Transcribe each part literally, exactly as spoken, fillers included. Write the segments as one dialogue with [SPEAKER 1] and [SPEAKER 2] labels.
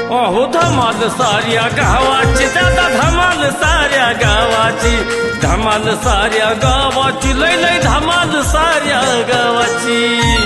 [SPEAKER 1] अहो धमाल साऱ्या गावाची दादा धमाल साऱ्या गावाची धमाल साऱ्या गावाची लय लय धमाल साऱ्या गावाची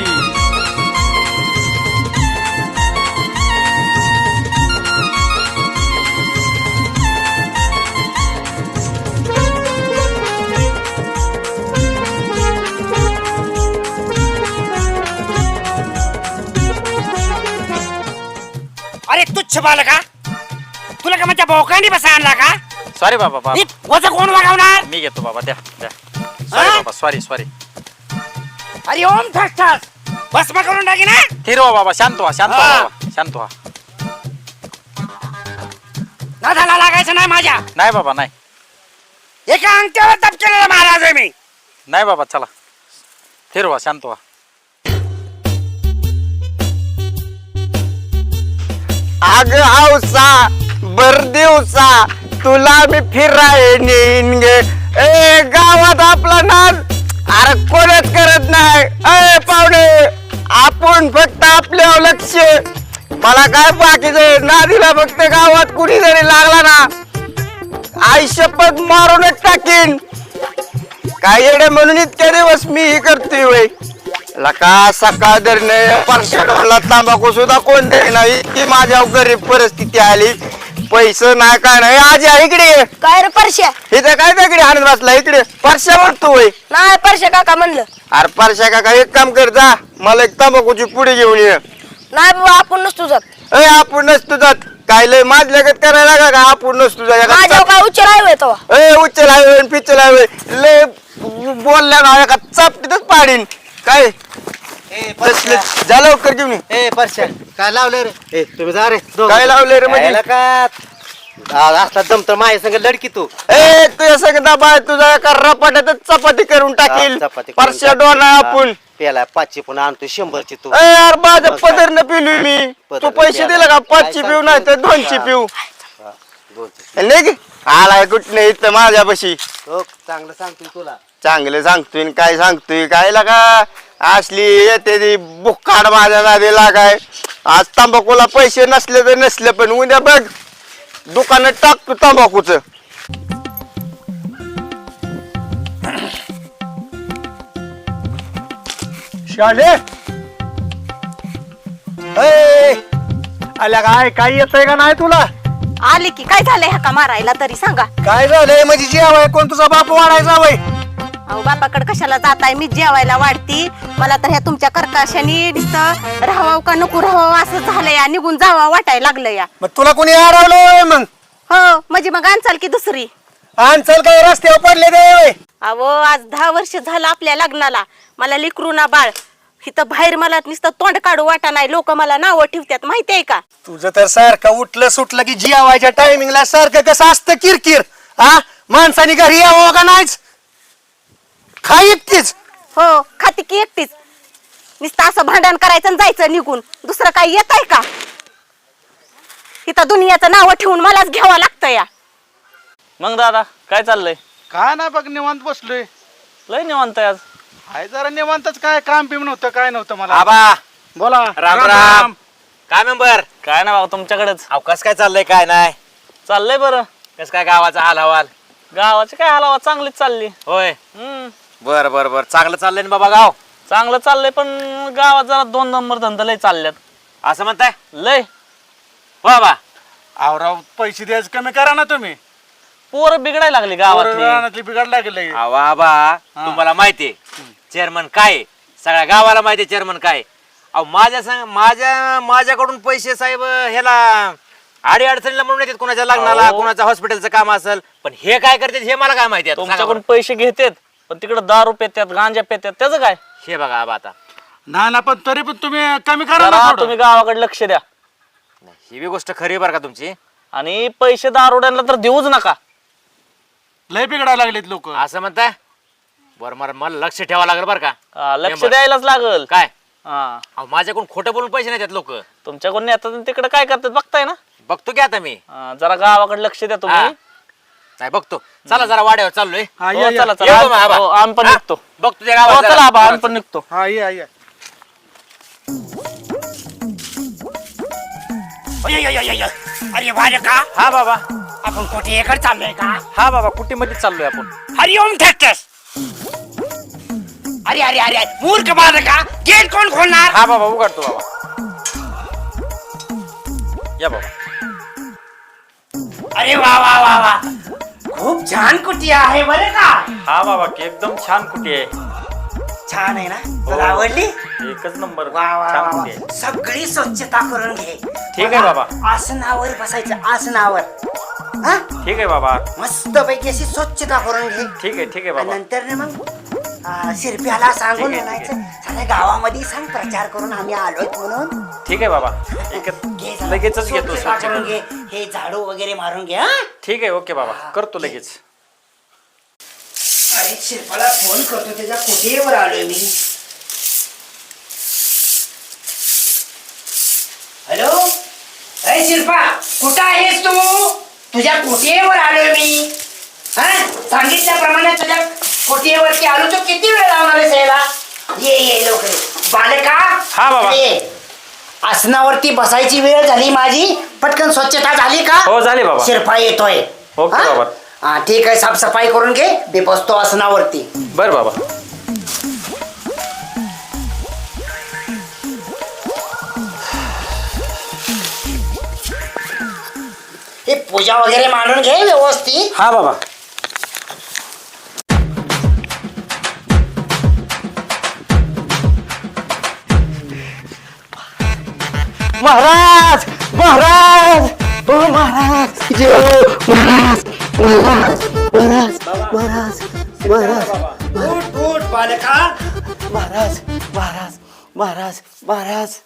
[SPEAKER 2] अरे तुच्छ बालका तुला का माझ्या भोकांनी बसा आणला का?
[SPEAKER 3] सॉरी बाबा बाबा
[SPEAKER 2] वजा कोण वागवणार?
[SPEAKER 3] मी घेतो बाबा द्या द्या सॉरी बाबा सॉरी सॉरी
[SPEAKER 2] अरे ओम ठस ठस भस्म करून टाकी ना.
[SPEAKER 3] हिरवा बाबा शांत व्हा शांत व्हा बाबा शांत व्हा.
[SPEAKER 2] नादाला लागायचं नाही माझ्या.
[SPEAKER 3] नाही बाबा नाही
[SPEAKER 2] एका अंगठ्यावर तप केलेला महाराज आहे मी.
[SPEAKER 3] नाही बाबा चला हिरवा शांत व्हा.
[SPEAKER 4] आग हौसा बर दिवसा तुला मी फिराय नेईन गे. ए गावात आपला नाद अरे कोणच करत नाही. ए पाहुणे आपण फक्त आपल्या लक्ष. मला काय बाकीचं नादीला फक्त गावात कुणी जरी लागला ना आई शपथ मारूनच टाकीन. काय येडे म्हणून इतके दिवस मी ही करतोय वय लका सकाळ धरणे परशाला तांबाखू सुद्धा कोण दे नाही की माझ्या गरीब परिस्थिती आली. पैसे नाही काय नाही. आज या इकडे
[SPEAKER 5] काय रे परश्या?
[SPEAKER 4] इथे काय दगडी हाणत बसला इकडे परशा म्हणतो वय.
[SPEAKER 5] नाही परश्या काका म्हणलं.
[SPEAKER 4] अरे परशा काका एक काम कर जा मला एक तांबाखूची पुढे घेऊन ये.
[SPEAKER 5] नाही बाबा आपण नसतो जात.
[SPEAKER 4] ए आपण नसतो जात काय लय माझ लगत करायला का आपण नसतो
[SPEAKER 5] माझ्या काय उच्चार आहे तो.
[SPEAKER 4] ए उच्चल आहे पिच्चल आहे लय बोलल्या ना एका चापटीतच पाडीन काय जा लवकर घेऊन ये.
[SPEAKER 6] ए परश्या काय लावलं रे? ए तुम्ही जा रे.
[SPEAKER 4] काय लावले रे म्हणजे
[SPEAKER 6] का असला दमतर माझ्या संग लडकी तू.
[SPEAKER 4] ए तुझ्या सगळं बाय तुझा एका रपाट्यातच चपाती करून टाकील.
[SPEAKER 6] हा, चपाती करून
[SPEAKER 4] परश्या
[SPEAKER 6] टाकील.
[SPEAKER 4] डोना आपण
[SPEAKER 6] पेला पाचशे पण आणतो शंभरची तू.
[SPEAKER 4] ए यार माझं पदर न पिलू मी. तू
[SPEAKER 6] पदर
[SPEAKER 4] पैसे
[SPEAKER 6] प्याला.
[SPEAKER 4] दिले का पाचशे
[SPEAKER 6] काय
[SPEAKER 4] पिऊ नाही तर दोनशे
[SPEAKER 6] हा.
[SPEAKER 4] पिऊ
[SPEAKER 6] हा, दोनशे.
[SPEAKER 4] नाही की आलाय कुठं नाही इथं माझ्यापाशी.
[SPEAKER 6] हो चांगलं सांगतो तुला.
[SPEAKER 4] चांगलं सांगतोय काय सांगतोय काय लागा असली येते ती बुक्काड माझ्या नादीला काय. आज तंबाखूला पैसे नसले तर नसले पण उद्या बघ दुकानात टाकतो तंबाखूच.
[SPEAKER 7] शाले आल्या काय काय येतंय का नाही तुला?
[SPEAKER 5] आली की काय झालंय हा का मारायला तरी सांगा.
[SPEAKER 7] काय झालंय म्हणजे जेवाय कोण तुझा बाप वाढायचा वय?
[SPEAKER 5] अहो बापाकडे कशाला जाताय? मी जेवायला वाढती. मला तर ह्या तुमच्या कर्काशाने नुसतं राहावं का नको राहावं असं झालंय. निघून जावा वाटायला लागलं या.
[SPEAKER 7] मग तुला कोणी हरवलंय मग?
[SPEAKER 5] हो म्हणजे मग आणचाल की दुसरी.
[SPEAKER 7] चल काय रस्त्यावर पडले ते?
[SPEAKER 5] अहो आज दहा वर्ष झालं आपल्या लग्नाला. मला लिकरू ना बाळ इथं बाहेर मला नुसतं तोंड काढू वाटा नाही. लोक मला नावं ठेवतात माहितीये का?
[SPEAKER 7] तुझं तर सारखं उठलं सुटलं की जेवायच्या टायमिंगला सारखं कसं असतं किरकिर. हा माणसाने घरी यावं का नाहीच? खाई एकटीच.
[SPEAKER 5] हो खाती की एकटीच. नुसतं असं भांडण करायचं आणि जायचं निघून. दुसरं काही येत आहे का? इथं दुनियाचं नाव ठेवून मलाच घ्यावं लागतं या.
[SPEAKER 3] मग दादा काय चाललंय?
[SPEAKER 8] काय नाही बघ निवांत बसलोय.
[SPEAKER 3] लय निवांत आहे आज.
[SPEAKER 8] हाय जरा निवांतच. काय काम पिम नव्हतं काय नव्हतं मला.
[SPEAKER 6] आबा
[SPEAKER 8] बोला.
[SPEAKER 6] राम राम. काय मेंबर
[SPEAKER 3] काय ना बाबा तुमच्याकडेच
[SPEAKER 6] अवकाश काय चाललंय काय नाही?
[SPEAKER 3] चाललंय बरं.
[SPEAKER 6] कस काय गावाचा हाल हवाल?
[SPEAKER 3] गावाची काय हालावा चांगलीच चालली.
[SPEAKER 6] होय
[SPEAKER 3] हम्म
[SPEAKER 6] बर बर बर चांगलं चाललंय ना बाबा गाव?
[SPEAKER 3] चांगलं चाललंय पण गावात जरा दोन नंबर धंदा लय चालल्यात.
[SPEAKER 6] असं म्हणताय
[SPEAKER 3] लय
[SPEAKER 6] हो बाबा?
[SPEAKER 8] आवराव पैसे द्यायचं कमी करा ना तुम्ही.
[SPEAKER 3] पोरं बिघडायला लागली गावातली.
[SPEAKER 8] रानातली बिघड लागले.
[SPEAKER 6] अहो आबा तुम्हाला माहितीये चेअरमन काय आहे? सगळ्या गावाला माहितीये चेअरमन काय आहे. अहो माझ्या संग माझ्या माझ्याकडून पैसे साहेब ह्याला आडी अडचणीला म्हणून येतात. कुणाच्या लग्नाला
[SPEAKER 3] अहो.
[SPEAKER 6] कुणाचं हॉस्पिटलचं काम असेल पण हे काय करतात हे मला काय माहिती आहे. सांगा
[SPEAKER 3] तुमच्याकडून
[SPEAKER 6] बरं.
[SPEAKER 3] पैसे घेतात पण तिकडे दारू पेत्यात गांजा पेत्यात त्याचं काय?
[SPEAKER 6] हे बघा आबा आता
[SPEAKER 8] ना ना पण तरी पण तुम्ही कमी करा ना
[SPEAKER 3] जरा
[SPEAKER 8] थोडं.
[SPEAKER 3] तुम्ही गावाकडे लक्ष द्या.
[SPEAKER 6] ही बी गोष्ट खरी बरं का तुमची.
[SPEAKER 3] आणि पैसे दारुड्यांना तर देऊच नका.
[SPEAKER 8] लय बिघडायला लागलेत लोक.
[SPEAKER 6] असं म्हणताय बरं मला मला लक्ष ठेवावं लागेल बरं का.
[SPEAKER 3] हा, लक्ष
[SPEAKER 6] मेंबर.
[SPEAKER 3] द्यायलाच लागल.
[SPEAKER 6] काय
[SPEAKER 3] हा
[SPEAKER 6] अहो माझ्याकडून खोटं बोलून पैसे नाही देत लोक.
[SPEAKER 3] तुमच्याकडून येतात तिकडे काय करतात बघताय ना.
[SPEAKER 6] बघतो की आता मी.
[SPEAKER 3] हा, जरा गावाकडे लक्ष द्या तुम्ही.
[SPEAKER 6] हा. नाही बघतो. चला जरा वाड्यावर चाललोय.
[SPEAKER 8] हा,
[SPEAKER 3] हो,
[SPEAKER 8] या, या.
[SPEAKER 3] चला
[SPEAKER 6] येऊ
[SPEAKER 3] चला
[SPEAKER 6] मग आबा.
[SPEAKER 3] हो, आम्ही पण
[SPEAKER 6] हा,
[SPEAKER 3] निघतो.
[SPEAKER 6] बघतो त्या
[SPEAKER 3] हो,
[SPEAKER 6] गावात
[SPEAKER 3] चला
[SPEAKER 6] जरा.
[SPEAKER 3] आबा आम्ही पण निघतो.
[SPEAKER 8] हा या या.
[SPEAKER 2] अय, अय, अय, अय. अरे बालका
[SPEAKER 3] हा बाबा
[SPEAKER 2] आपण कुठे एकर चाललोय का
[SPEAKER 3] हा बाबा कुटीमध्ये चाललोय आपण
[SPEAKER 2] हरिओम ट्रॅक्टर्स अरे अरे अरे मूर्ख बालका गेट कोण खोलणार
[SPEAKER 3] हा बाबा उघडतो बाबा या बाबा
[SPEAKER 2] अरे वा वा वा वा खूप छान कुटी आहे बरं का
[SPEAKER 3] हा बाबा की एकदम छान कुटी आहे
[SPEAKER 2] छान आहे ना तुला आवडली
[SPEAKER 3] एकच नंबर
[SPEAKER 2] वा वा
[SPEAKER 3] छान
[SPEAKER 2] वा,
[SPEAKER 3] कुटी
[SPEAKER 2] वा.
[SPEAKER 3] आहे
[SPEAKER 2] सगळी स्वच्छता करून घे
[SPEAKER 3] ठीक आहे बाबा.
[SPEAKER 2] आसनावर बसायचं आसनावर हा
[SPEAKER 3] ठीक आहे बाबा
[SPEAKER 2] मस्त पैकी अशी स्वच्छता करून घे
[SPEAKER 3] ठीक आहे ठीक आहे
[SPEAKER 2] आणि
[SPEAKER 3] बाबा
[SPEAKER 2] नंतर ना मग आ, शिरप्याला सांगून
[SPEAKER 3] ठीक आहे, ठीक
[SPEAKER 2] म्हणायचं सगळ्या गावामध्ये सांग प्रचार करून आम्ही आलोय म्हणून
[SPEAKER 3] ठीक आहे बाबा एकच
[SPEAKER 2] घे जरा.
[SPEAKER 3] लगेचच घेतो
[SPEAKER 2] स्वच्छता
[SPEAKER 3] स्वच्छ
[SPEAKER 2] करून घे हे झाडू वगैरे मारून घे हा
[SPEAKER 3] ठीक आहे ओके बाबा करतो लगेच
[SPEAKER 2] अरे शिरपाला फोन करतो त्याच्या कुठेवर आलोय मी हॅलो अरे शिरपा कुठं आहेस तू तुझ्या कुठेवर आलोय मी हा सांगितल्याप्रमाणे तुझ्या कुठेवरती आलो तो किती वेळ लावणार आहेस यायला ये ये लवकर ये. बालका
[SPEAKER 3] हा बाबा.
[SPEAKER 2] ये. आसनावरती बसायची वेळ झाली माझी पटकन स्वच्छता झाली का
[SPEAKER 3] हो झाली बाबा
[SPEAKER 2] शिरपा येतोय
[SPEAKER 3] ओके
[SPEAKER 2] हा?
[SPEAKER 3] बाबा.
[SPEAKER 2] हा ठीक आहे साफसफाई करून घे मी बसतो आसनावरती
[SPEAKER 3] बर बाबा
[SPEAKER 2] हे पूजा वगैरे मांडून घे व्यवस्थित
[SPEAKER 3] हा बाबा
[SPEAKER 4] महाराज महाराज ओ महाराज जय हो महाराज महाराज महाराज महाराज महाराज
[SPEAKER 2] उठ उठ बालका
[SPEAKER 4] महाराज महाराज महाराज महाराज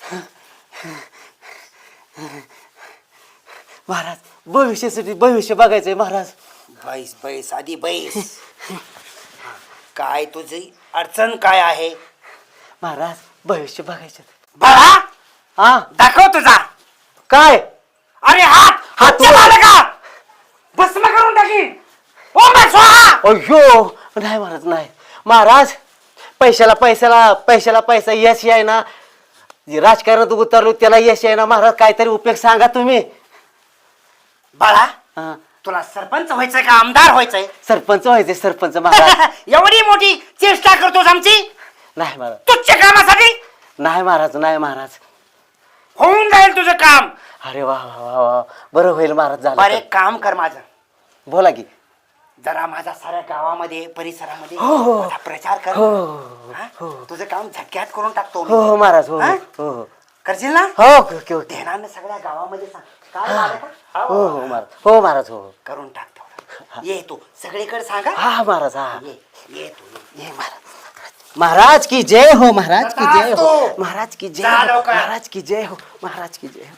[SPEAKER 4] महाराज भविष्यासाठी भविष्य बघायचंय महाराज
[SPEAKER 2] बैस बैस आधी बैस काय तुझी अडचण काय आहे
[SPEAKER 4] महाराज भविष्य बघायचं
[SPEAKER 2] बाळा
[SPEAKER 4] हा
[SPEAKER 2] दाखव तुझा
[SPEAKER 4] काय
[SPEAKER 2] अरे हात हात
[SPEAKER 4] वर.
[SPEAKER 2] बालका भस्म करून टाकीन ओ मा स्वाहा
[SPEAKER 4] अयो नाही महाराज नाही महाराज पैशाला पैशाला पैशाला पैसा यश आहे ना जे राजकारणात उतरलो त्याला यश आहे ना महाराज काहीतरी उपयोग सांगा तुम्ही
[SPEAKER 2] बाळा
[SPEAKER 4] हा,
[SPEAKER 2] तुला सरपंच व्हायचंय का आमदार व्हायचंय
[SPEAKER 4] सरपंच व्हायचे सरपंच महाराज
[SPEAKER 2] एवढी मोठी चेष्टा करतोस आमची
[SPEAKER 4] नाही महाराज
[SPEAKER 2] तुच्छ कामासाठी
[SPEAKER 4] नाही महाराज नाही महाराज
[SPEAKER 2] होऊन जाईल तुझं काम
[SPEAKER 4] अरे वा वा वा वा बरं होईल महाराज झालं
[SPEAKER 2] बरं
[SPEAKER 4] तर.
[SPEAKER 2] एक काम कर माझं
[SPEAKER 4] बोला की
[SPEAKER 2] जरा माझा साऱ्या गावामध्ये परिसरामध्ये
[SPEAKER 4] हो, हो.
[SPEAKER 2] माझा प्रचार कर
[SPEAKER 4] हो
[SPEAKER 2] हा?
[SPEAKER 4] हो
[SPEAKER 2] तुझं काम झटक्यात करून टाकतो मी.
[SPEAKER 4] हो हो महाराज हो
[SPEAKER 2] हा?
[SPEAKER 4] हो हो
[SPEAKER 2] करशील ना
[SPEAKER 4] हो ओके ओके
[SPEAKER 2] ध्यानानं सगळ्या गावामध्ये सांग काय झालं का?
[SPEAKER 4] हो हो महाराज हो महाराज हो
[SPEAKER 2] करून टाक तेवढं. ये तू सगळीकडे सांगा
[SPEAKER 4] हा महाराज हा
[SPEAKER 2] ये ये तू ये.
[SPEAKER 4] ये महाराज महाराज की जय हो महाराज की जय हो
[SPEAKER 2] तो.
[SPEAKER 4] महाराज की जय
[SPEAKER 2] जा
[SPEAKER 4] हो
[SPEAKER 2] लवकर.
[SPEAKER 4] महाराज की जय हो महाराज की जय हो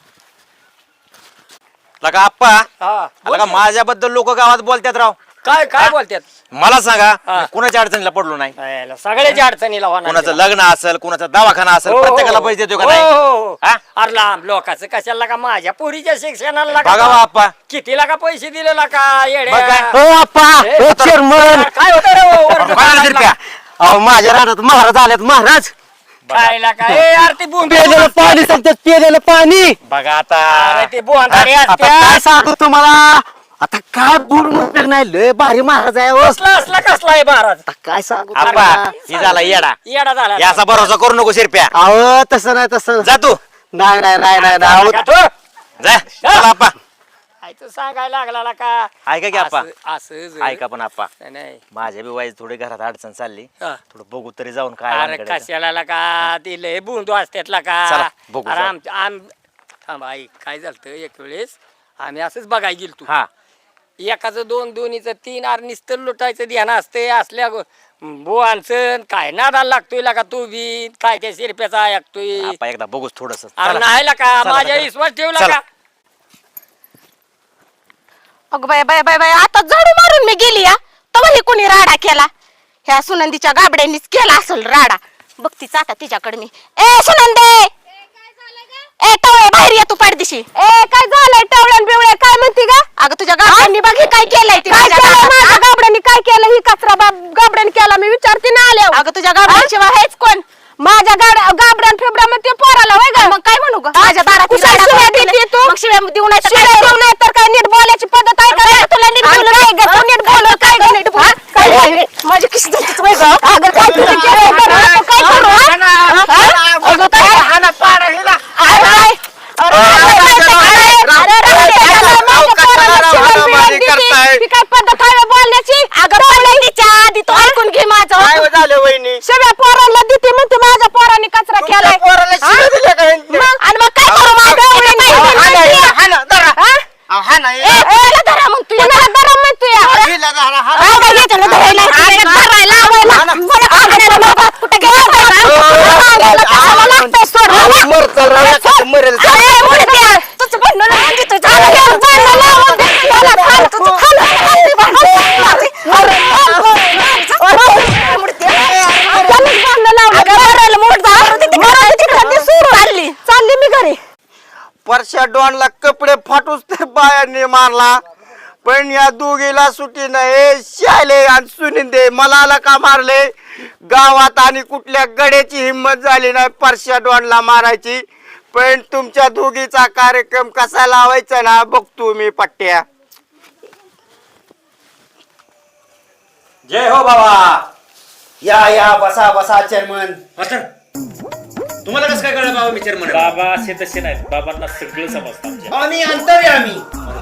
[SPEAKER 6] लगा आप्पा लगा माझ्याबद्दल लोक गावात बोलतात राव
[SPEAKER 3] काय काय बोलतात
[SPEAKER 6] मला सांगा मी कुणाच्या अडचणीला पडलो नाही
[SPEAKER 3] सगळ्याच्या अडचणीला होणार
[SPEAKER 6] कुणाचं लग्न असेल कुणाचा दवाखाना असेल
[SPEAKER 3] हो, हो,
[SPEAKER 6] प्रत्येकाला
[SPEAKER 3] हो.
[SPEAKER 6] पैसे देतो का
[SPEAKER 3] हो,
[SPEAKER 6] नाही
[SPEAKER 3] हो, हो.
[SPEAKER 6] हा?
[SPEAKER 3] अरे लांब लोकांचं कशाला का माझ्या पोरीच्या शिक्षणाला
[SPEAKER 6] बघा
[SPEAKER 3] का
[SPEAKER 6] बा आप्पा
[SPEAKER 3] कितीला का पैसे दिलेला का येड्या?
[SPEAKER 6] बघ काय.
[SPEAKER 4] हो आप्पा
[SPEAKER 3] ए,
[SPEAKER 4] हो चेअरमन
[SPEAKER 3] काय होतं रे हो, वरती
[SPEAKER 6] काय झालं शिरप्या?
[SPEAKER 4] अहो माझ्या रानात महाराज आलेत महाराज
[SPEAKER 3] खायला काय ए, यार ती बुंदी
[SPEAKER 4] पेलेलं पाणी सांगतात पेलेलं पाणी
[SPEAKER 6] बघा आता
[SPEAKER 3] अरे ते बोंधारी
[SPEAKER 4] आता
[SPEAKER 3] असत्या.
[SPEAKER 4] काय सांगू तुम्हाला आता काय बोलून उपयोग नाही लय भारी महाराज आहे हो.
[SPEAKER 3] कसला असला कसला आहे महाराज
[SPEAKER 4] आता काय सांगू
[SPEAKER 6] आप्पा
[SPEAKER 4] तुम्हाला?
[SPEAKER 6] ही झाला येडा
[SPEAKER 3] येडा झाला
[SPEAKER 6] याचा भरोसा करू नको शिरप्या
[SPEAKER 4] अहो तसं नाही तसं
[SPEAKER 6] जा तू
[SPEAKER 4] नाही नाही नाही नाही नाही.
[SPEAKER 3] का तो?
[SPEAKER 6] जा चला आप्पा
[SPEAKER 3] काय तू सांगायला लागला का
[SPEAKER 6] ऐका की आप्पा
[SPEAKER 3] असं- असं जर-
[SPEAKER 6] ऐका पण आप्पा
[SPEAKER 3] नाही, नाही
[SPEAKER 6] माझ्या बी वाईज थोडी घरात अडचण चालली
[SPEAKER 3] हा.
[SPEAKER 6] थोडं बघू तरी जाऊन काय
[SPEAKER 3] अरे
[SPEAKER 6] वानगड आहे.
[SPEAKER 3] कशाला का दिले बुंदू असतात का
[SPEAKER 6] चला, बघू
[SPEAKER 3] अरे
[SPEAKER 6] जाऊ.
[SPEAKER 3] आम आम थांब आई काय झालं एक वेळेस आम्ही असंच बघायला गेलो तू
[SPEAKER 6] हा
[SPEAKER 3] एकाचं दोन दोन्हीचं तीन आर नुसतं लुटायचं ध्यान असते असल्या गो- बुवांचं काय नादाला लागतोय का तू बी काय त्या शिरप्याचा ऐकतोय
[SPEAKER 6] आप्पा एकदा बघूच थोडस
[SPEAKER 3] अरे नाही का माझ्या विश्वास ठेवला
[SPEAKER 6] चला.
[SPEAKER 3] का
[SPEAKER 5] अगं बाय बाय बाय बाय आता झाडू मारून मी गेली या तेव्हा हे कोणी राडा केला ह्या सुनंदीच्या गाबड्यांनीच केला असेल राडा बघतीच आता तिच्याकडे मी ए सुनंदे ए टवळे बाहेर ये तू पाडदिशी ए काय झालंय टवळ्यान बिवळ्या काय म्हणती गा अगं तुझ्या गाबड्यांनी बघ हे काय केलंय ते माझ्या गाबड्यांनी काय केलं ही कचरा गाबड्याने केला मी विचारते ना आल्या अगं तुझ्या गाबड्यांशिवाय हेच कोण माझ्या गाड्या गाबड्यान फेबड्या मध्ये पोराला होय ग मग काय म्हणू ग माझ्या दारात तू देऊ नाही तर काय देऊ नाही तर काय नीट बोलायची पद्धत आहे का तुला नीट बोलू नाही ग तू नीट बोल काय ग नीट बोल काय माझी किशी जातीच वय ग अगं काय तुझं केलं काय करू अगं काय हाना पाडा हिला अरे काय पद्धत आहे बोलण्याची अगं तिच्या आधी तू ऐकून घे माझं
[SPEAKER 4] काय झालं वहिनी
[SPEAKER 5] सगळ्या पोरांना देते म्हणते माझ्या पोरांनी कचरा केलाय
[SPEAKER 4] पोराला शिव्या दिल्या का ह्यांनी?
[SPEAKER 5] मग आणि मग काय करू माझं एवढं नाही
[SPEAKER 4] हा ना,
[SPEAKER 5] म्हणते.
[SPEAKER 4] हा ना, धरा.
[SPEAKER 5] हा?
[SPEAKER 4] अहो, हा ना,
[SPEAKER 5] ए, ए, याला धरा म्हणतो याला धरा म्हणतो या.
[SPEAKER 4] हिला धरा, हा ना.
[SPEAKER 5] हा, काय याच्याला धरायला, धरायला, लावायला. मला कागदाला बाबा, कुठं गेला धरा? याला कशाला लागतंय सोड,
[SPEAKER 4] अहो,
[SPEAKER 5] बाबा?
[SPEAKER 4] मर चाल, राव, नका, मरेल.
[SPEAKER 5] अरे, मुडद्या, तुझं भांडण लावून देतो. झालं, याला भांडण लावून दे. याला खाल, तुझं खाल, खाल, ते भांडण. अरे, अरे, मुडद्या. त्यालाच भांडण लावलं. अगं, मरायला मुडदा. मरायला तिकडं ती सोडून चालली. चालली मी घरी.
[SPEAKER 4] परश्या डॉनला कपडे फाटूच ते बायांनी मारला पण या दोघीला सुटी नाही शाले आणि सुनिंदे मला का मारले गावात आणि कुठल्या गड्याची हिंमत झाली नाही परश्या डॉनला मारायची पण तुमच्या दोघीचा कार्यक्रम कसा लावायचा ना बघतो मी पट्ट्या.
[SPEAKER 6] जय हो बाबा.
[SPEAKER 7] या या बसा बसा चेअरमन.
[SPEAKER 6] तुम्हाला कसं काय कळलं बाबा मी चेअरमन
[SPEAKER 1] बाबा असे तसे नाहीत बाबांना सगळं समजतं आमच्या
[SPEAKER 7] आम्ही अंतर्य आम्ही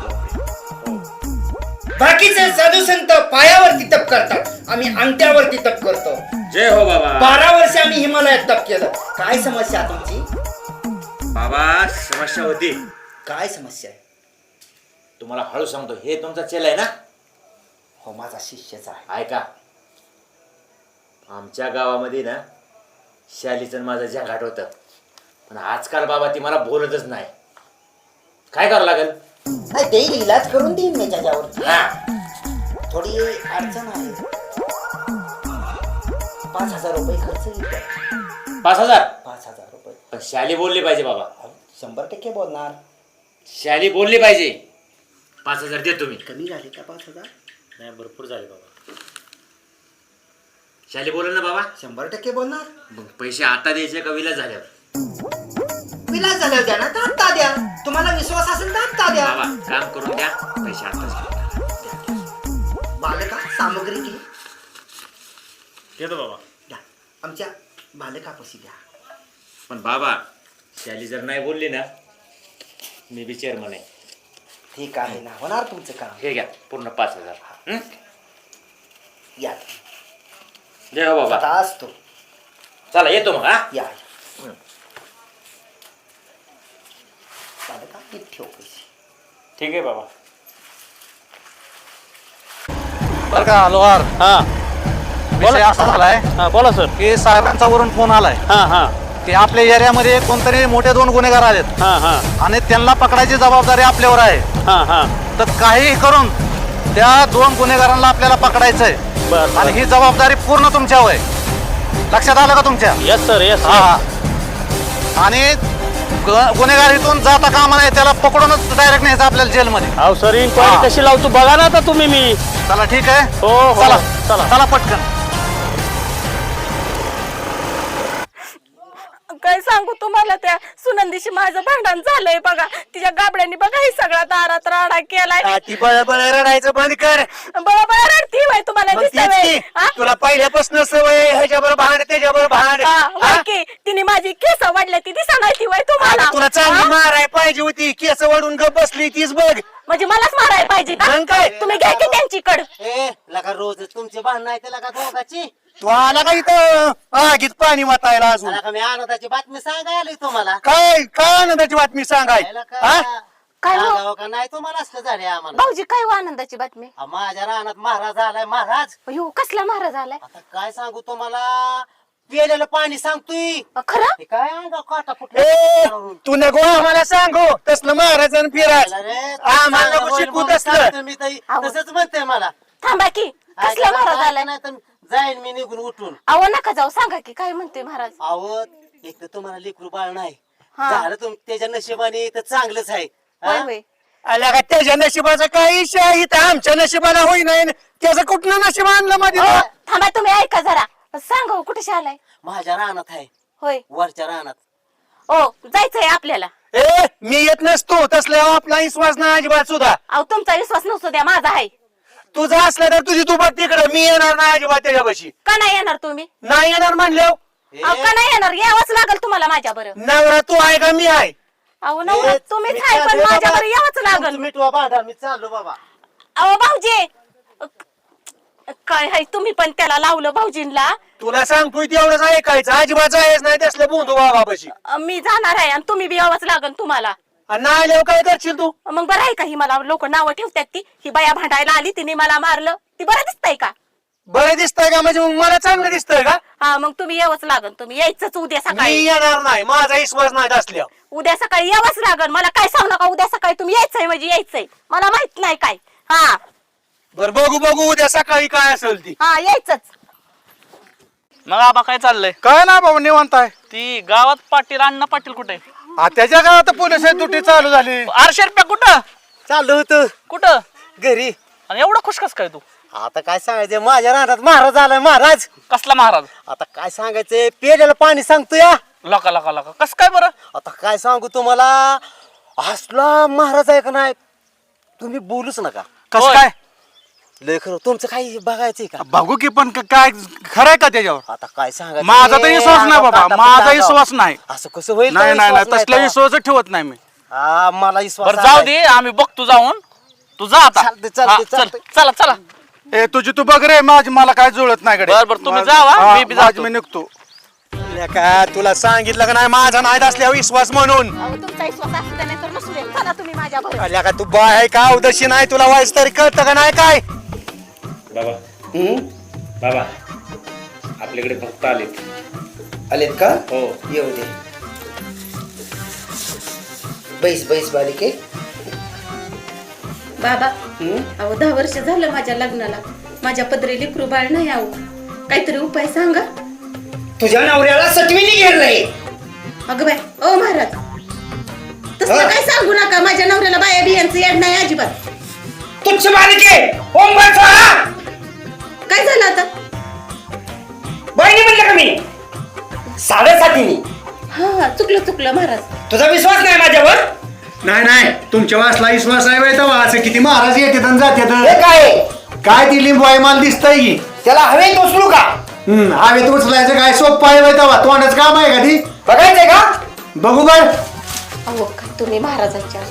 [SPEAKER 7] बाकीचे साधू संत पायावरती तप करतात आम्ही अंगठ्यावरती तप करतो.
[SPEAKER 6] जय हो बाबा.
[SPEAKER 7] बारा वर्ष आम्ही हिमालयात तप केलं. काय समस्या तुमची?
[SPEAKER 6] बाबा समस्या होती.
[SPEAKER 7] काय समस्या आहे?
[SPEAKER 6] तुम्हाला हळू सांगतो हे तुमचा चेला आहे ना.
[SPEAKER 7] हो माझा शिष्यच आहे.
[SPEAKER 6] ऐका आमच्या गावामध्ये ना शालीचं माझं झंगाट होतं पण आजकाल बाबा ती मला बोलतच नाही. काय करावं लागेल?
[SPEAKER 7] नाही देईल इलाज करून देईन मी त्याच्यावर.
[SPEAKER 6] हा
[SPEAKER 7] थोडी अडचण आहे. पाच हजार रुपये खर्च येतो.
[SPEAKER 6] पाच हजार
[SPEAKER 7] पाच हजार रुपये
[SPEAKER 6] पण शाली बोलली पाहिजे बाबा.
[SPEAKER 7] शंभर टक्के बोलणार.
[SPEAKER 6] शाली बोलली पाहिजे. पाच हजार देतो मी.
[SPEAKER 7] कमी झाले का पाच हजार?
[SPEAKER 6] नाही भरपूर झाले बाबा. शाली बोल ना बाबा.
[SPEAKER 7] शंभर टक्के बोलणार.
[SPEAKER 6] मग पैसे आता द्यायचे का विलास झाल्यावर?
[SPEAKER 7] विलास झाल्यावर द्या ना तर आत्ता द्या. तुम्हाला विश्वास असेल तर आत्ता द्या.
[SPEAKER 6] बाबा काम करून द्या पैसे आताच
[SPEAKER 7] बालका सामग्री घे
[SPEAKER 1] देतो बाबा.
[SPEAKER 7] द्या. आमच्या बालकापाशी द्या.
[SPEAKER 6] पण बाबा शाली जर नाही बोलली ना मी बी चेअरमन आहे.
[SPEAKER 7] ठीक आहे ना होणार तुमचं काम.
[SPEAKER 6] हे घ्या पूर्ण पाच हजार. हं?
[SPEAKER 7] या
[SPEAKER 6] जय हो बाबा.
[SPEAKER 7] आता असतो.
[SPEAKER 6] चला येतो मग. हा
[SPEAKER 7] या बालका नीट ठेव पैसे.
[SPEAKER 1] ठीक आहे बाबा.
[SPEAKER 8] बरं का लोहार.
[SPEAKER 1] हा
[SPEAKER 8] विषय असा झालाय
[SPEAKER 1] हा बोला सर.
[SPEAKER 8] की साहेबांचा वरून फोन आलाय
[SPEAKER 1] हा हा
[SPEAKER 8] की आपल्या एरियामध्ये कोणतरी मोठे दोन गुन्हेगार आलेत
[SPEAKER 1] हा हा
[SPEAKER 8] आणि त्यांना पकडायची जबाबदारी आपल्यावर आहे.
[SPEAKER 1] हा हा
[SPEAKER 8] तर काहीही करून त्या दोन गुन्हेगारांना आपल्याला पकडायचंय
[SPEAKER 1] बर
[SPEAKER 8] आणि ही जबाबदारी पूर्ण तुमच्यावर आहे. लक्षात आलं का तुमच्या?
[SPEAKER 1] Yes sir yes.
[SPEAKER 8] हा हा आणि ग- गुन्हेगार इथून जाता कामा नाही त्याला पकडूनच डायरेक्ट न्यायचं आपल्याला जेलमध्ये.
[SPEAKER 1] अहो सर
[SPEAKER 8] हा.
[SPEAKER 1] इन्क्वायरी कशी लावतो बघा ना आता तुम्ही. मी
[SPEAKER 8] चला ठीक आहे.
[SPEAKER 1] हो हो
[SPEAKER 8] चला
[SPEAKER 1] चला.
[SPEAKER 8] चला पटकन.
[SPEAKER 5] काय सांगू तुम्हाला त्या सुनंदीशी माझं भांडण झालंय बघा. तिच्या गाबड्यांनी बघा ही सगळा दारात राडा केलाय.
[SPEAKER 4] ती बळबळ रडायचं बंद कर.
[SPEAKER 5] बरोबर रडती बाई तुम्हाला
[SPEAKER 4] मग
[SPEAKER 5] दिसतंय
[SPEAKER 4] तीच
[SPEAKER 5] बाई.
[SPEAKER 4] की.
[SPEAKER 5] हा?
[SPEAKER 4] तुला पहिल्यापासून सवय ह्याच्याबरोबर भांड त्याच्याबरोबर भांड.
[SPEAKER 5] हा,
[SPEAKER 4] हा?
[SPEAKER 5] होय की. तिने माझी केस वाढल्या ती दिसा नाही ती वय तुम्हाला.
[SPEAKER 4] अगं, तुला चांगली
[SPEAKER 5] हा?
[SPEAKER 4] माराय पाहिजे होती. केस वडून गप बसली तीच बघ.
[SPEAKER 5] म्हणजे मलाच मारायला पाहिजे का?
[SPEAKER 4] मग काय?
[SPEAKER 5] तुम्ही घ्या की त्यांची कड.
[SPEAKER 9] ए लगा रोज तुमचे भांडण आहे त्याला का दोघाची.
[SPEAKER 4] तू आला का इथं आगीत पाणी वाटायला अजून?
[SPEAKER 9] त्याला का मी आनंदाची बातमी सांगायला आलोय तुम्हाला.
[SPEAKER 4] काय काय आनंदाची बातमी सांगाय?
[SPEAKER 9] याला
[SPEAKER 4] हा?
[SPEAKER 9] का
[SPEAKER 5] काय हो?
[SPEAKER 9] सांगावं का नाही तुम्हाला असलं झाले आम्हाला.
[SPEAKER 5] भाऊजी काय हो आनंदाची बातमी?
[SPEAKER 9] हा, माझ्या रानात महाराज आलाय महाराज.
[SPEAKER 5] अयो कसला महाराज आलाय?
[SPEAKER 9] आता काय सांगू तुम्हाला पिलेलं पाणी सांगतोय.
[SPEAKER 5] अ, खरं?
[SPEAKER 9] हे काय अंगा काटा
[SPEAKER 4] ए
[SPEAKER 9] फुटला.
[SPEAKER 4] तू नको आम्हाला सांगू तसलं महाराज आणि फिराज आम्हाला नको शिकू तसलं.
[SPEAKER 9] मी ताई
[SPEAKER 5] अहो.
[SPEAKER 9] तसंच म्हणते मला.
[SPEAKER 5] थांबा की कसला महाराज आलाय?
[SPEAKER 9] नाही तर जाईन मी निघून उठून.
[SPEAKER 5] अहो नका जाऊ सांगा की काय म्हणते महाराज.
[SPEAKER 9] अहो एक तर तुम्हाला लेकरू बाळ नाही
[SPEAKER 5] हा.
[SPEAKER 9] झालं तुम त्याच्या नशिबाने तर चांगलंच आहे. हा?
[SPEAKER 5] होय होय.
[SPEAKER 4] आल्या का त्याच्या नशिबाचा काही इशा इथं आमच्या नशिबाला होई नाही त्याचं कुठलं नशीब आणलं मध्ये
[SPEAKER 5] अहो, थांबा तुम्ही ऐका जरा. सांगा हो, कुठे आलाय?
[SPEAKER 9] माझ्या रानात आहे
[SPEAKER 5] होय.
[SPEAKER 9] वरच्या रानात.
[SPEAKER 5] ओ जायचंय आपल्याला.
[SPEAKER 7] ए मी येत नसतो तसल्यावर आपला विश्वास नाही अजिबात सुद्धा.
[SPEAKER 5] अहो तुमचा विश्वास नसतो द्या, माझा आहे.
[SPEAKER 7] तुझा असला तर तुझी तू बघ तिकडे, मी येणार नाही अजिबात त्याच्यापाशी.
[SPEAKER 5] का नाही येणार तुम्ही?
[SPEAKER 7] नाही येणार म्हणल्यावर
[SPEAKER 5] अहो का नाही येणार? यावंच लागल तुम्हाला माझ्या बरं.
[SPEAKER 7] नवरा तू आहे का मी आहे?
[SPEAKER 5] अहो नवरा तुम्हीच आहे पण माझ्या बरं यावंच लागल.
[SPEAKER 9] मिठवा बांधा मी चाललो बाबा.
[SPEAKER 5] अहो भाऊजी काय आहे, तुम्ही पण त्याला लावलं भाऊजींना.
[SPEAKER 7] तुला सांगतोय तेवढंच ऐकायचं, अजिबात जायच नाही तसलं बोंधू बाबापाशी.
[SPEAKER 5] मी जाणार आहे आणि तुम्ही बी यावंच लागल तुम्हाला.
[SPEAKER 7] आणि नाही आल्यावर काय करशील तू?
[SPEAKER 5] मग बरं आहे का? ही मला लोक नावं ठेवतात ती ही बाया भांडायला आली तिने मला मारलं, ती बरं दिसतंय का?
[SPEAKER 7] बरं दिसतंय का? म्हणजे मग मला चांगलं दिसतंय का?
[SPEAKER 5] हा मग तुम्ही यावंच लागल. तुम्ही यायचंच उद्या
[SPEAKER 7] मी
[SPEAKER 5] सकाळी.
[SPEAKER 7] येणार नाही, माझा विश्वास नाही असल्यावर.
[SPEAKER 5] उद्या सकाळी यावंच लागल. मला काय सांगू नका, उद्या सकाळी तुम्ही यायचंय म्हणजे यायचंय. मला माहित नाही काय. हा
[SPEAKER 7] बरं बघू बघू उद्या सकाळी काय असेल ती.
[SPEAKER 5] हा यायचंच.
[SPEAKER 10] मग आबा काय चाललंय?
[SPEAKER 8] काय ना बाबा निवांत आहे.
[SPEAKER 10] ती गावात पाटील अण्णा पाटील कुठे?
[SPEAKER 8] आ, त्याच्या गावात पोलीस ड्युटी चालू झाली.
[SPEAKER 10] आरशे रुपया कुठं
[SPEAKER 9] चाललो होतो
[SPEAKER 10] कुठं?
[SPEAKER 9] घरी.
[SPEAKER 10] आणि एवढं खुश कस काय तू?
[SPEAKER 9] आता काय सांगायचं, माझ्या रानात महाराज आलाय. महाराज
[SPEAKER 10] कसला महाराज?
[SPEAKER 9] आता काय सांगायचं, पेल्याला पाणी सांगतो या.
[SPEAKER 10] लका लका लका कस काय बरं?
[SPEAKER 9] आता काय सांगू तुम्हाला, असला महाराज आहे का नाही तुम्ही बोलूच नका.
[SPEAKER 8] कसं
[SPEAKER 10] होय.
[SPEAKER 8] काय?
[SPEAKER 9] लय खरं. तुमचं काही बघायचंय का?
[SPEAKER 8] बघू की पण क- काय खरंय का त्याच्यावर?
[SPEAKER 9] आता काय सांगायचं,
[SPEAKER 8] माझा तर विश्वास नाही बाबा,
[SPEAKER 9] आता
[SPEAKER 8] माझा
[SPEAKER 9] आता
[SPEAKER 8] विश्वास नाही.
[SPEAKER 9] असं कसं होईल?
[SPEAKER 8] नाही नाही नाही
[SPEAKER 9] विश्वास
[SPEAKER 8] तसला
[SPEAKER 9] नाही
[SPEAKER 8] विश्वास ठेवत नाही मी.
[SPEAKER 9] हा, मला विश्वास
[SPEAKER 10] बरं जाऊ
[SPEAKER 9] आहे.
[SPEAKER 10] दे, आम्ही बघतो जाऊन. तू जा आता.
[SPEAKER 9] चालतंय, चालतंय,
[SPEAKER 10] हा, चल
[SPEAKER 9] चालतंय.
[SPEAKER 10] चला चला.
[SPEAKER 8] ए तुझी तू बघ रे, माझी मला काय जुळत नाही कडे.
[SPEAKER 10] बरं, बरं, तुम्ही जावा,
[SPEAKER 8] हा,
[SPEAKER 10] मी बी
[SPEAKER 8] माझी
[SPEAKER 10] जातो.
[SPEAKER 8] मी निघतो.
[SPEAKER 7] का तुला सांगितलं का नाही माझा नाही असल्यावर विश्वास म्हणून.
[SPEAKER 5] अहो तुमचा विश्वास असू द्या नाही तर नसू दे. चला तुम्ही माझ्या बरोबर.
[SPEAKER 7] आल्या का तू बाय आहे का उदशी नाही तुला व्हायचं तरी कळतं का नाही काय?
[SPEAKER 11] बाबा बाबा आपल्याकडे भक्त आलेत.
[SPEAKER 2] आलेत का?
[SPEAKER 11] हो.
[SPEAKER 2] येऊ दे. बैस बैस बालिके.
[SPEAKER 5] बाबा अहो दहा वर्ष झालं माझ्या लग्नाला. माझ्या पदरी लेकरू बाळ नाही. अहो काहीतरी उपाय सांगा.
[SPEAKER 2] तुझ्या नवऱ्याला सटवीने घेरलंय.
[SPEAKER 5] अगं बाय ओ महाराज तसं काय सांगू नका. माझ्या नवऱ्याला बाया बियांचं याड नाही अजिबात.
[SPEAKER 2] तुच्छ बालिके, ओम भर स्वाहा.
[SPEAKER 5] काय झालं आता?
[SPEAKER 2] बहिणी म्हणलं का मी? साडेसातीने.
[SPEAKER 5] हा चुकलं चुकलं महाराज.
[SPEAKER 2] तुझा विश्वास नाही माझ्यावर?
[SPEAKER 7] नाही नाही तुमच्या वासला विश्वास आहे बाई तेव्हा. असं किती महाराज येतात आणि
[SPEAKER 2] हे
[SPEAKER 7] जातात.
[SPEAKER 2] काय?
[SPEAKER 7] काय ती लिंबू आहे मला दिसतंय की.
[SPEAKER 2] त्याला हवेत उचलू का?
[SPEAKER 7] हम्म हवेत उचलायचं काय सोपं आहे बाई तेव्हा. तोंडच काम आहे का ती?
[SPEAKER 2] बघायचंय का?
[SPEAKER 7] बघू बाय.
[SPEAKER 5] अहो काय तुम्ही महाराजांच्या.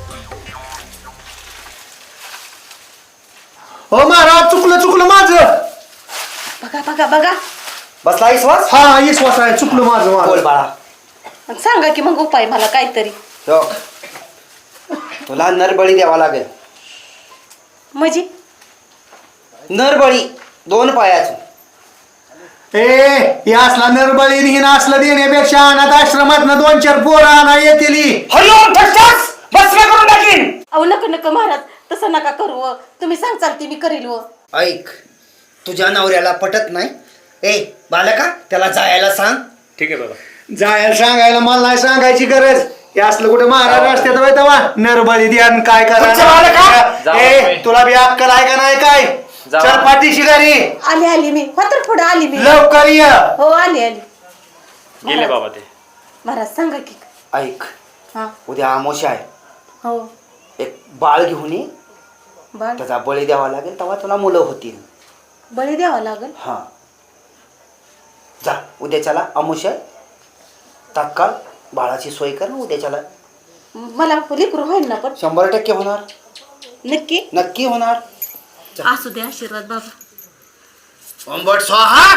[SPEAKER 7] हो महाराज चुकलं चुकलं माझं.
[SPEAKER 5] बघा बघा बघा.
[SPEAKER 2] बसला विश्वास?
[SPEAKER 7] हा विश्वास आहे, चुकलं माझं
[SPEAKER 2] बोल
[SPEAKER 7] माझं.
[SPEAKER 2] बाळा.
[SPEAKER 5] सांगा की मग उपाय मला काहीतरी.
[SPEAKER 2] हो. तुला नरबळी द्यावा लागेल.
[SPEAKER 5] म्हणजे
[SPEAKER 2] नरबळी दोन पायाचं.
[SPEAKER 7] ए हे असला नरबळी हिन असलं देण्यापेक्षा अनाथ आश्रमात दोन चार पोरं आणा येतील.
[SPEAKER 2] हॅलो ठसठस बस मी करून टाकीन.
[SPEAKER 5] अहो नको नको महाराज तसं नका करू. व. तुम्ही सांगचाल ती मी करील. व
[SPEAKER 2] ऐक, तुझ्या नवऱ्याला पटत नाही. ए बालका त्याला जायला सांग.
[SPEAKER 11] ठीक आहे बाबा.
[SPEAKER 7] जायला सांगायला मला नाही सांगायची गरज. हे असलं कुठे महाराज असतात बाई तेव्हा. नरबळी द्या आणि काय
[SPEAKER 2] तुमचं बाळं
[SPEAKER 7] करा.
[SPEAKER 10] जाऊ
[SPEAKER 7] ए
[SPEAKER 10] बाई.
[SPEAKER 7] तुला बी अक्कल आहे का नाही काय?
[SPEAKER 10] जाऊ.
[SPEAKER 7] चल पाठीशी घरी
[SPEAKER 5] आली आली मी. होतर पुढे आली मी.
[SPEAKER 7] लवकर ये.
[SPEAKER 5] हो आली आली.
[SPEAKER 11] गेले बाबा ते.
[SPEAKER 5] महाराज सांगा की.
[SPEAKER 2] ऐक,
[SPEAKER 5] हा
[SPEAKER 2] उद्या आमोशा आहे.
[SPEAKER 5] हो
[SPEAKER 2] एक बाळ घेऊन ये.
[SPEAKER 5] बाळ
[SPEAKER 2] त्याचा बळी द्यावा लागेल तेव्हा तुला मुलं होतील.
[SPEAKER 5] बळी द्यावा लागल.
[SPEAKER 2] हा जा उद्याच्याला आमोशा आहे. तात्काळ बाळाची सोय कर ना उद्याच्याला.
[SPEAKER 5] मला लेकरू होईल ना पण?
[SPEAKER 2] शंभर टक्के होणार.
[SPEAKER 5] नक्की
[SPEAKER 2] नक्की होणार.
[SPEAKER 5] असू दे आशीर्वाद बाबा.
[SPEAKER 2] ओम भट स्वाहा.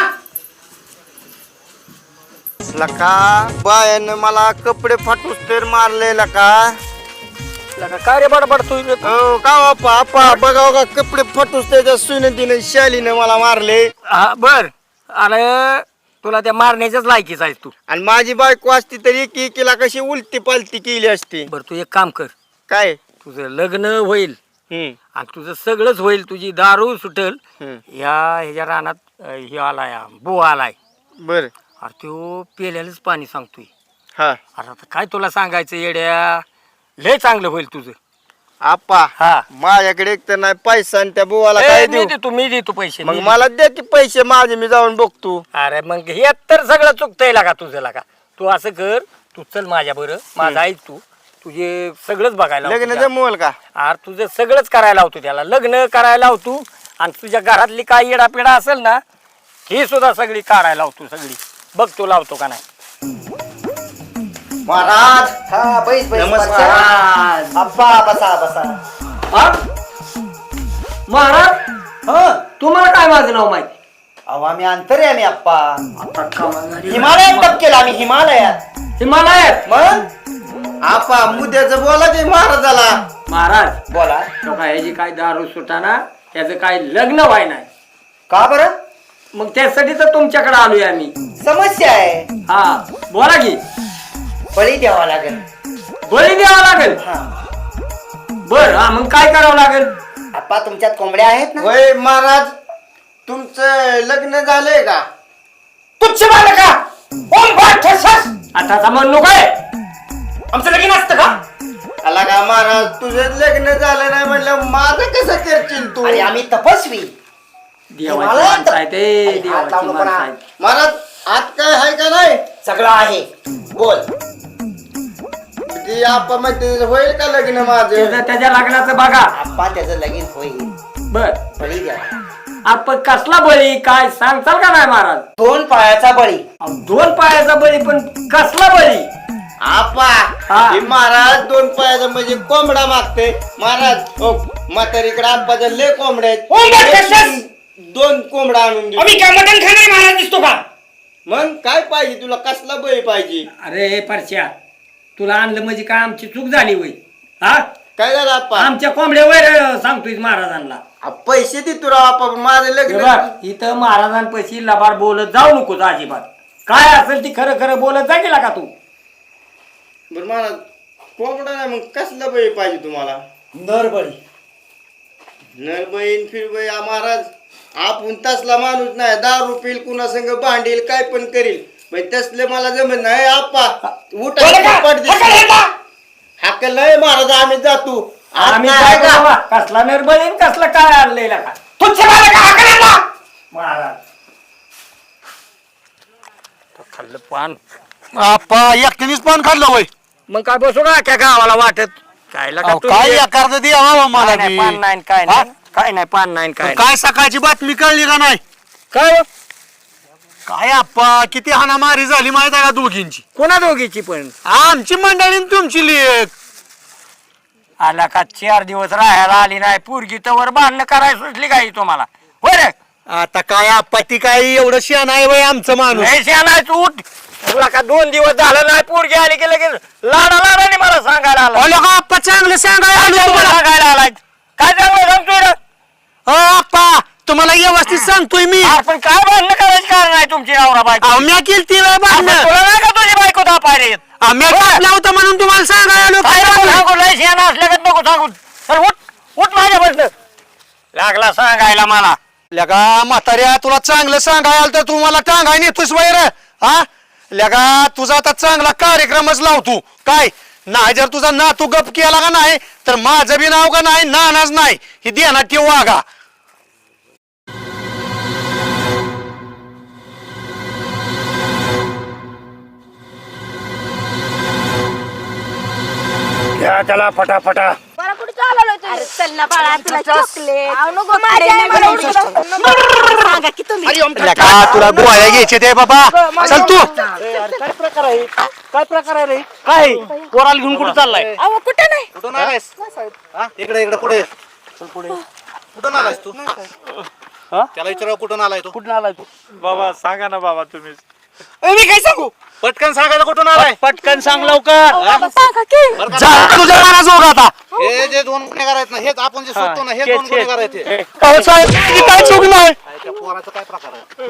[SPEAKER 4] लका बायानं मला कपडे फाटूस तर मारले लका.
[SPEAKER 3] लका काय रे बडबड तू?
[SPEAKER 4] हो का बाप्पा आपा बघाव का कपडे फाटूस त्याच्या सुनतीने शालीने मला मारले.
[SPEAKER 3] हा बर. अरे तुला त्या मारण्याच्याच लायकीच आहेस तू.
[SPEAKER 4] आणि माझी बायको असती तरी की केला कशी उलटी पालती केली असती.
[SPEAKER 3] बर तू एक काम कर.
[SPEAKER 4] काय?
[SPEAKER 3] तुझं लग्न होईल
[SPEAKER 4] हम्म
[SPEAKER 3] आणि तुझं सगळंच होईल. तुझी दारू सुटल.
[SPEAKER 4] हम्म.
[SPEAKER 3] या ह्याच्या रानात अं, हे आलाय बो आलाय.
[SPEAKER 4] बर.
[SPEAKER 3] अरे तो पेल्यालाच पाणी सांगतोय.
[SPEAKER 4] हा
[SPEAKER 3] अरे आता काय तुला सांगायचं येड्या. लय चांगलं होईल तुझं.
[SPEAKER 4] आपा
[SPEAKER 3] हा
[SPEAKER 4] माझ्याकडे एक तर नाही पैसा आणि त्या बुवाला
[SPEAKER 3] ए,
[SPEAKER 4] काय
[SPEAKER 3] मी
[SPEAKER 4] देऊ.
[SPEAKER 3] देतो मी देतो पैसे.
[SPEAKER 4] मग
[SPEAKER 3] मी
[SPEAKER 4] मला द्या की पैसे माझे मी जाऊन बघतो.
[SPEAKER 3] अरे मग हे तर सगळं चुकतंय लागा तुझं लागा. तू असं कर तू चल माझ्या बरं माझा ऐक तू तुझे सगळंच बघायला लावतो
[SPEAKER 4] लग्न
[SPEAKER 3] त्याला.
[SPEAKER 4] जमवल का
[SPEAKER 3] अरे तुझं सगळंच करायला लावतो त्याला लग्न करायला लावतो आणि तुझ्या घरातली काय येडापिडा असेल ना ही सुद्धा सगळी काढायला लावतो सगळी बघ तू लावतो का नाही
[SPEAKER 9] महाराज
[SPEAKER 2] हा बैस बैस
[SPEAKER 9] नमस्कार.
[SPEAKER 2] महाराज.
[SPEAKER 9] अप्पा बसा बसा
[SPEAKER 3] महाराज
[SPEAKER 9] हं
[SPEAKER 3] तुम्हाला काय माझं नाव माहिती
[SPEAKER 9] अहो आम्ही अंतर्यामी अप्पा
[SPEAKER 3] हिमालय
[SPEAKER 9] हिमालयात टपकेला आम्ही हिमालयात
[SPEAKER 3] हिमालयात
[SPEAKER 9] मग आपा मुद्द्याचं बोला की महाराजाला
[SPEAKER 3] महाराज
[SPEAKER 9] बोला
[SPEAKER 3] तो काय ह्याची काय दारू सुटाना त्याचं काय लग्न व्हाय नाही
[SPEAKER 9] का बरं
[SPEAKER 3] मग त्यासाठी तर तुमच्याकडे आलोय आम्ही
[SPEAKER 9] समस्या आहे
[SPEAKER 3] हा बोला की
[SPEAKER 9] बळी द्यावा लागेल
[SPEAKER 3] बळी द्यावा लागेल
[SPEAKER 9] हा
[SPEAKER 3] बर हा मग काय करावं लागेल
[SPEAKER 9] आपा तुमच्यात कोंबड्या आहेत ना
[SPEAKER 4] होय महाराज तुमचं लग्न झालंय का
[SPEAKER 2] तुच्छ बालक का ओम भाट ठसस
[SPEAKER 3] आता म्हणू काय
[SPEAKER 2] आमचं लगीन असतं का
[SPEAKER 4] आला का महाराज तुझं लग्न झालं नाही म्हणलं माझं कसं करशील तू
[SPEAKER 9] अरे आम्ही तपस्वी
[SPEAKER 3] देवाची
[SPEAKER 9] हिमालयात?
[SPEAKER 3] माणसं आहे ते
[SPEAKER 9] अरे, हात
[SPEAKER 3] देवाची
[SPEAKER 9] लावू नको
[SPEAKER 3] माणसं
[SPEAKER 9] ना.
[SPEAKER 3] आहे
[SPEAKER 4] महाराज आत काय आहे का नाही
[SPEAKER 9] सगळं आहे बोल
[SPEAKER 4] ते आपण म्हणते होईल का लग्न माझं
[SPEAKER 3] त्याचं त्याच्या लग्नाचं बघा
[SPEAKER 9] आप्पा त्याचं लगीन होईल
[SPEAKER 3] बर
[SPEAKER 9] बळी द्यावा
[SPEAKER 3] आपण कसला बळी काय सांगताल का नाही महाराज
[SPEAKER 9] दोन पायाचा बळी
[SPEAKER 3] अहो, दोन पायाचा बळी पण कसला बळी
[SPEAKER 4] आपा
[SPEAKER 3] हा.
[SPEAKER 4] हे महाराज दोन पायाचा म्हणजे कोंबडा मागते महाराज ओ म्हातारीकडे आपाच्या लय कोंबड्या
[SPEAKER 2] ओम भाट ठसस
[SPEAKER 4] आहेत दोन कोंबडा आणून दे
[SPEAKER 2] आम्ही काय मटण खाणारे महाराज दिसतो का
[SPEAKER 4] मग काय पाहिजे तुला कसला बळी पाहिजे
[SPEAKER 3] अरे परश्या तुला आणलं म्हणजे काय आमची चूक झाली होय हा
[SPEAKER 4] काय झालं आपा
[SPEAKER 3] आमच्या कोंबड्यावर सांगतोय महाराजांना
[SPEAKER 4] आ, पैसे दे तुला आपा माझं
[SPEAKER 3] हे
[SPEAKER 4] लग्न
[SPEAKER 3] बघ, इथं महाराजांपाशी लबाड बोलत जाऊ नको अजिबात काय असेल ती खरं खरं बोलत जा गेला का तू
[SPEAKER 4] बरं महाराज कोंबडा नाही मग कसला बळी पाहिजे तुम्हाला
[SPEAKER 9] नरबळी
[SPEAKER 4] नरबईन फिरबई महाराज आपण तसला माणूस नाही दारू पिल कुणा संग भांडील काय पण करील पण तसले मला जमत नाही आप्पा
[SPEAKER 2] बोला का?
[SPEAKER 4] उठा
[SPEAKER 2] हकल हे का?
[SPEAKER 4] हाकल नाही महाराज आम्ही जातो आज
[SPEAKER 3] आम्ही
[SPEAKER 4] नाही
[SPEAKER 3] काय
[SPEAKER 4] का?
[SPEAKER 3] करावा? कसला निर्बळीन कसला काय आणलेला का
[SPEAKER 2] तुच्छ बालक का हकल हे का?
[SPEAKER 3] महाराज खाल्लं पान
[SPEAKER 8] आप्पा एकट्यानेच पान खाल्लं होय
[SPEAKER 3] मग काय बसू का क्या गावाला वाटत काय लका
[SPEAKER 8] अहो,
[SPEAKER 3] तू
[SPEAKER 8] काय
[SPEAKER 3] ये.
[SPEAKER 8] एखाद द्यावा
[SPEAKER 3] काय
[SPEAKER 8] मला
[SPEAKER 3] नाही,
[SPEAKER 8] बी.
[SPEAKER 3] पान नाही काय
[SPEAKER 8] हा?
[SPEAKER 3] नाही काय नाही पान नाही काय नाही.
[SPEAKER 8] काय सकाळची बातमी कळली का नाही
[SPEAKER 3] काय हो?
[SPEAKER 8] काय आप्पा किती हाणामारी झाली माहित आहे का दोघींची
[SPEAKER 3] कोणा दोघीची पण
[SPEAKER 8] आमची मंडळी आणि तुमची लेख
[SPEAKER 3] आला का चार दिवस राहायला आली नाही पोरगी तवर बांधणं करायला सुचली काही तुम्हाला होय रे
[SPEAKER 8] आता काय आप्पा ती काय एवढं शियान आहे वय आमचं माणूस
[SPEAKER 3] लय शहाणा तू उठ तुला का दोन दिवस झालं नाही पोरगी आली की लगेच लाडा लाडाने मला सांगायला आला
[SPEAKER 8] अहो, लोकं आप्पा चांगलं सांगायला आलो तुम्हाला.
[SPEAKER 3] सांगायला आलाय काय चांगलं सांगतोय रे
[SPEAKER 8] अहो, आप्पा तुम्हाला व्यवस्थित सांगतोय मी
[SPEAKER 3] अरे पण काय बांधणं करायची कारण नाही तुमची नवरा बायको
[SPEAKER 8] अहो, म्या केली ती वेळ
[SPEAKER 3] आपण
[SPEAKER 8] बांधणं
[SPEAKER 3] तुला नाही का तुझी बायको दापाय रे
[SPEAKER 8] आम्ही होतं म्हणून तुम्हाला सांगायला आलो
[SPEAKER 3] काय
[SPEAKER 8] काय
[SPEAKER 3] नको
[SPEAKER 8] झालं?
[SPEAKER 3] सांगू लय शहाणा असल्यागत नको सांगू चल उठ उठ माझ्या बसलं लागला सांगायला मला
[SPEAKER 8] लगा म्हाताऱ्या तुला चांगलं सांगायला आलं तर तू मला टांगाय नेतोस वैर हा लगा तुझा आता चांगला कार्यक्रमच लावतो काय नाही जर तुझा नातू गप केला का नाही तर माझं बी नाव का नाही नानाच नाही ही ध्यानात ठेव वागा
[SPEAKER 2] घ्या त्याला फटाफटा
[SPEAKER 5] अरे चल ना बाळा तुला चॉकलेट सांगा की तुम्ही
[SPEAKER 8] लगा तुला गोळ्या घ्यायचे ते बाबा चल तू
[SPEAKER 10] काय प्रकार आहे काय प्रकार आहे रे काय पोराला घेऊन कुठे चाललाय
[SPEAKER 5] अहो कुठं नाही
[SPEAKER 8] कुठून आलायस इकडे इकडे पुढे पुढे कुठून आलायस तू त्याला विचारावं कुठून आलाय तू
[SPEAKER 10] कुठून आलाय तू
[SPEAKER 11] बाबा सांगा ना बाबा तुम्ही
[SPEAKER 2] मी काय सांगू
[SPEAKER 8] पटकन सांगायला कुठून आलाय
[SPEAKER 10] पटकन सांग लवकर
[SPEAKER 5] सांगा की
[SPEAKER 8] जा तुझ्या मनात जोग आता
[SPEAKER 9] हे जे दोन गुन्हेगार आहेत ना हेच आपण जे शोधतो ना हे
[SPEAKER 10] हेच,
[SPEAKER 9] दोन
[SPEAKER 10] हेच.
[SPEAKER 9] गुन्हेगार आहेत हे.
[SPEAKER 8] अहो, साहेब ही काय चूक नाही
[SPEAKER 9] काय त्या पोराचा काय प्रकार आहे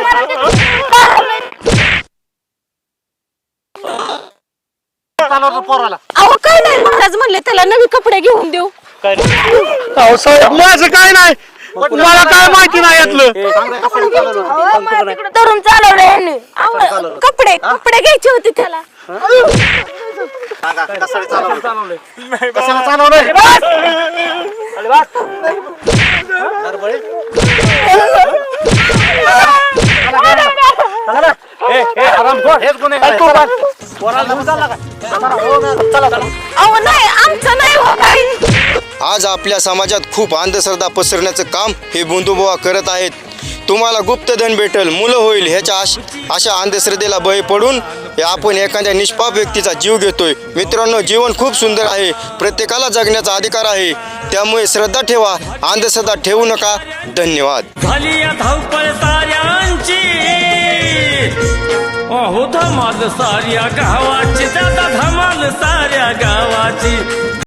[SPEAKER 9] चालवतो पोराला
[SPEAKER 5] अहो काय नाही महाराज म्हणले त्याला नवी कपडे घेऊन देऊ
[SPEAKER 8] अहो साहेब माझं काय नाही मला काय माहिती नाही यातलं
[SPEAKER 5] धरून चालवलं यांनी अहो, कपडे कपडे घ्यायचे होते त्याला
[SPEAKER 9] सांगा कशाला चालवलं
[SPEAKER 10] कशाला चालवलंय
[SPEAKER 9] नरबळी?
[SPEAKER 10] हेच गुन्हेगार आहेत. पोराला घेऊन चालला का चला, हो ना, चला चला
[SPEAKER 5] अहो नाही आमचं नाही हो काही.
[SPEAKER 12] आज आपल्या समाजात खूप अंधश्रद्धा पसरण्याचं काम हे बंधुबुवा करत आहेत. तुम्हाला गुप्तधन भेटल, मुलं होईल ह्याच्या आश अशा अंधश्रद्धेला बळी पडून हे आपण एखाद्या निष्पाप व्यक्तीचा जीव घेतोय. मित्रांनो, जीवन खूप सुंदर आहे, प्रत्येकाला जगण्याचा अधिकार आहे. त्यामुळे श्रद्धा ठेवा, अंधश्रद्धा ठेवू नका. धन्यवाद.
[SPEAKER 1] झाली या धावपळ साऱ्यांची, अहो धमाल साऱ्या गावाची, दादा धमाल साऱ्या गावाची.